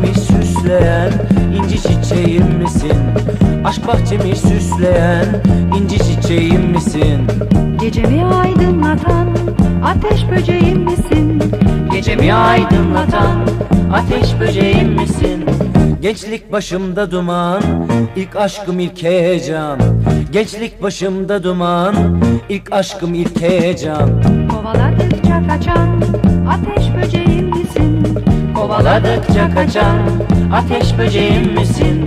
bahçemi süsleyen inci çiçeğim misin? Aşk bahçemi süsleyen inci çiçeğim misin? Gecemi aydınlatan ateş böceğim misin? Gecemi aydınlatan ateş böceğim misin? Gençlik başımda duman, ilk aşkım ilk heyecan. Gençlik başımda duman, ilk aşkım ilk heyecan. Kovaladıkça kaçan ateş böceğim misin? Kovaladıkça kaçan ateş böceğim misin?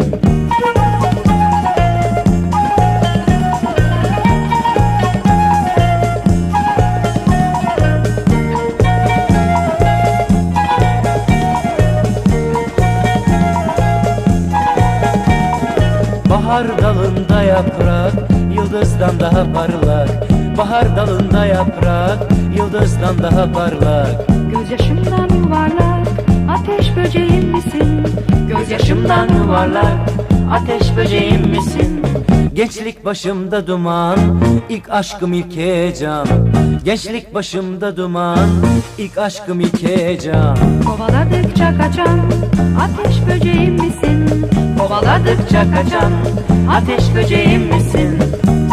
Bahar dalında yaprak, yıldızdan daha parlak. Bahar dalında yaprak, yıldızdan daha parlak. Gözyaşımdan yuvarlak ateş böceğim misin? Gözyaşımdan yuvarlak, ateş böceğim misin? Gençlik başımda duman, ilk aşkım ilk heyecan. Gençlik başımda duman, ilk aşkım ilk heyecan. Kovaladıkça kaçan ateş böceğim misin? Kovaladıkça kaçan ateş böceğim misin?